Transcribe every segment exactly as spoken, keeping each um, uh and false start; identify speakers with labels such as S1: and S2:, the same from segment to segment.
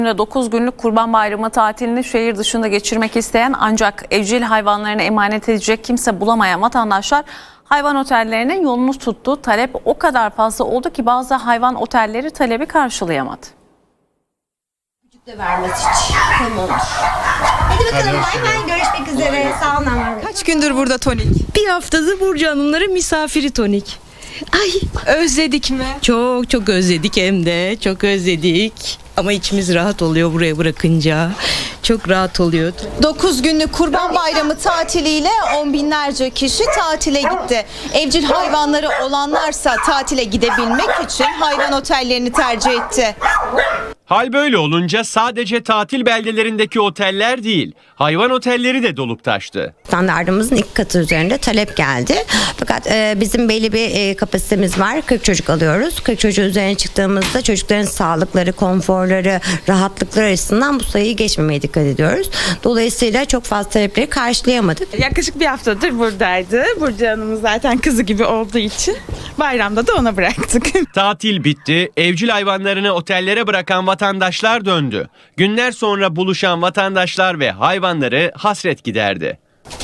S1: dokuz günlük Kurban Bayramı tatilini şehir dışında geçirmek isteyen ancak evcil hayvanlarını emanet edecek kimse bulamayan vatandaşlar hayvan otellerinin yolunu tuttu. Talep o kadar fazla oldu ki bazı hayvan otelleri talebi karşılayamadı.
S2: De vermez hiç. Tamam. Hadi bakalım, bay bay, görüşmek üzere. Sağ olun.
S3: Kaç gündür burada Tonik?
S4: Bir haftadır Burcu Hanımların misafiri Tonik.
S3: Ay, özledik mi?
S4: Çok çok özledik, hem de çok özledik. Ama içimiz rahat oluyor buraya bırakınca. Çok rahat oluyor.
S2: dokuz günlük Kurban Bayramı tatiliyle on binlerce kişi tatile gitti. Evcil hayvanları olanlarsa tatile gidebilmek için hayvan otellerini tercih etti.
S5: Hal böyle olunca sadece tatil beldelerindeki oteller değil, hayvan otelleri de dolup taştı.
S6: Standartımızın iki katı üzerinde talep geldi. Fakat e, bizim belli bir e, kapasitemiz var. kırk çocuk alıyoruz. kırk çocuğun üzerine çıktığımızda çocukların sağlıkları, konforları, rahatlıkları açısından bu sayıyı geçmemeye dikkat ediyoruz. Dolayısıyla çok fazla talepleri karşılayamadık.
S3: Yaklaşık bir haftadır buradaydı. Burcu Hanım'ın zaten kızı gibi olduğu için bayramda da ona bıraktık.
S5: Tatil bitti, evcil hayvanlarını otellere bırakan vatandaşlar döndü. Günler sonra buluşan vatandaşlar ve hayvanları hasret giderdi.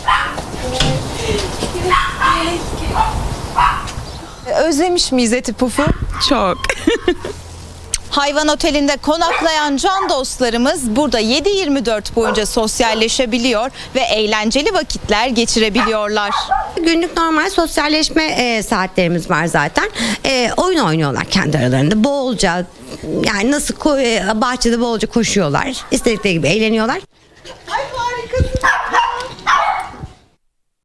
S2: Özlemiş miyiz Eti Puf'u?
S3: Çok.
S2: Hayvan otelinde konaklayan can dostlarımız burada yedi yirmi dört boyunca sosyalleşebiliyor ve eğlenceli vakitler geçirebiliyorlar.
S6: Günlük normal sosyalleşme e, saatlerimiz var zaten. E, oyun oynuyorlar kendi aralarında. Bolca, yani nasıl ko- e, bahçede bolca koşuyorlar. İstedikleri gibi eğleniyorlar.